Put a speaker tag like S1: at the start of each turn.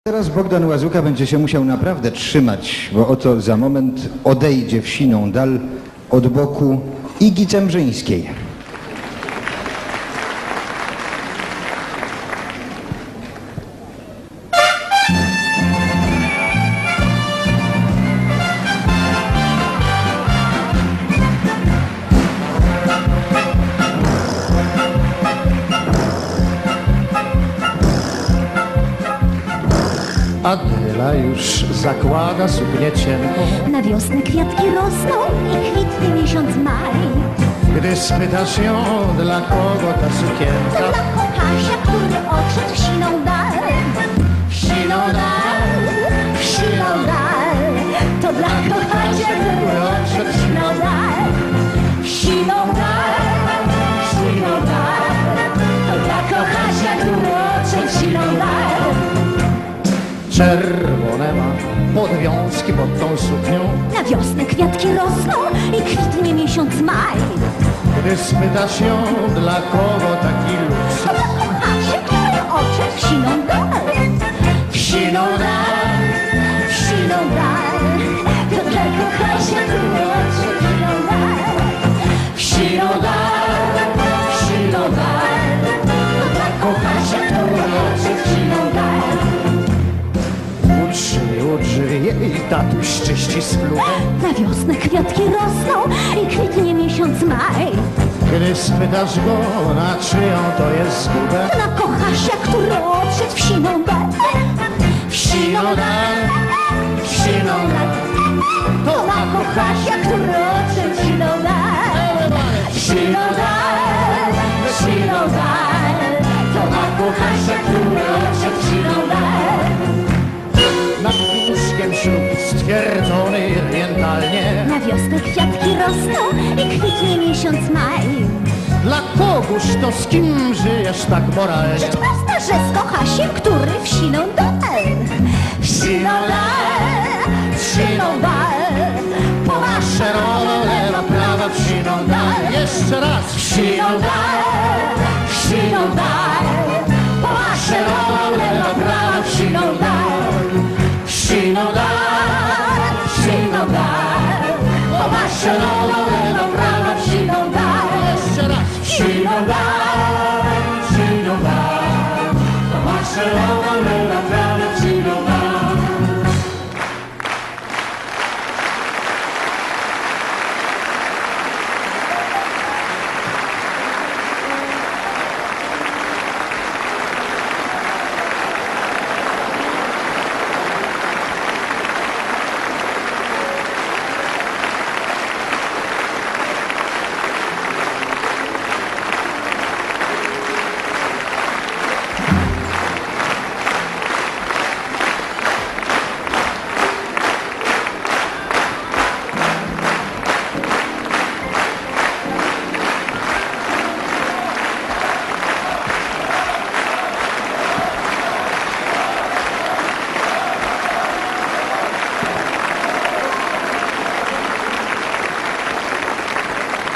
S1: Teraz Bogdan Łazuka będzie się musiał naprawdę trzymać, bo oto za moment odejdzie w siną dal od boku Igi Cembrzyńskiej.
S2: Adela już zakłada suknię cienką.
S3: Na wiosnę kwiatki rosną i kwitnie miesiąc maj.
S2: Gdy spytasz ją, dla kogo ta sukienka,
S3: Dla kochasia, który odszedł w siną dal. W siną dal, w siną dal. To dla kochasia, który odszedł w siną dal. W siną dal, w siną dal. To dla kochasia, który odszedł w siną dal.
S2: czerwone ma podwiązki pod tą suknią.
S3: Na wiosnę kwiatki rosną i kwitnie miesiąc maj.
S2: Gdy spytasz ją, dla kogo taki luksus,
S3: To dla kochasia, który odszedł w siną dal. W siną dal, w siną dal. To dla kochasia, który odszedł w siną dal. W siną dal, w siną dal. To dla kochasia, który odszedł w siną dal.
S2: u drzwi jej tatuś czyści spluwę.
S3: Na wiosnę kwiatki rosną i kwitnie miesiąc maj.
S2: Gdy spytasz go, na czyją to jest zgubę,
S3: Na kochasia, który odszedł w siną dal. W siną dal, w siną dal. To na kochasia, który odszedł w siną dal. W siną dal, w siną dal. To na kochasia, który odszedł w siną dal.
S2: nad łóżkiem ślub stwierdzony orientalnie.
S3: Na wiosnę kwiatki rosną i kwitnie miesiąc maj.
S2: Dla kogóż to z kim żyjesz tak moralnie?
S3: Rzecz prosta, że z kochasiem, który w siną dal. W siną dal, w siną dal.
S2: Maszerowo lewa, prawa, w siną dal. Jeszcze raz, w siną dal,
S3: W siną dal.
S2: maszerowo